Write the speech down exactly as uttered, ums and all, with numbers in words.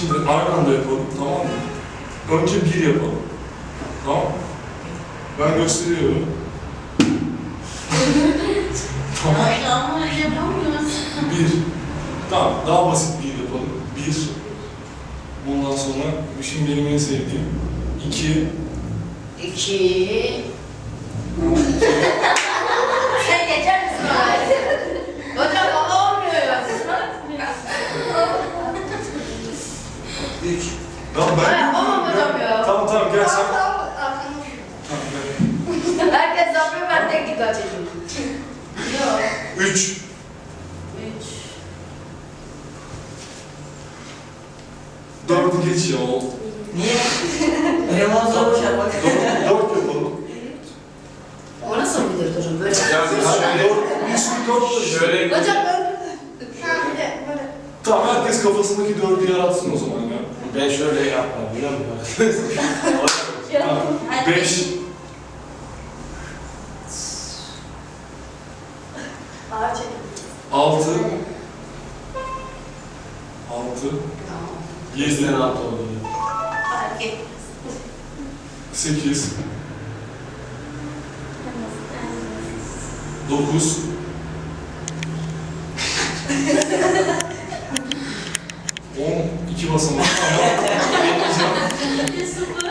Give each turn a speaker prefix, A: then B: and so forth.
A: Şimdi aynı anda yapalım, tamam mı? Önce bir yapalım. Tamam mı? Ben gösteriyorum. Tamam.
B: Ama yapamıyoruz.
A: Bir. Tamam, daha basit bir yapalım. Bir. Bundan sonra, şimdi benim en sevdiğim. İki.
B: İki. Sen geçer misin oraya? Hocam bana olmuyor ya.
A: Üç. Tamam ben...
B: Hayır, yapamam hocam ya.
A: Tamam tamam gel sen.
B: Tamam,
A: Tamam gel.
B: herkes yapıyor, ben tek dikkat çekiyorum. Yok.
A: Üç.
B: Üç.
A: Dördü geç ya o.
C: Niye? Eleman zor şey bak.
A: Dört, dört yapalım.
B: O nasıl bilir hocam? Böyle.
A: Yani hani dört, bir sürü dört da şöyle.
B: Hocam ben... Böyle, böyle.
A: Tamam herkes kafasındaki dördü yaratsın o zaman ya.
D: Ben şöyle yapmam biliyor musun?
A: Tamam. Beş.
B: Ağır çekim.
A: Altı. Altı.
B: Tamam.
A: Yedi.
D: Yüzden altı oldu.
B: Fark etmez.
A: Sekiz. Dokuz. On. İki basamak ama.
B: Bir sıfır.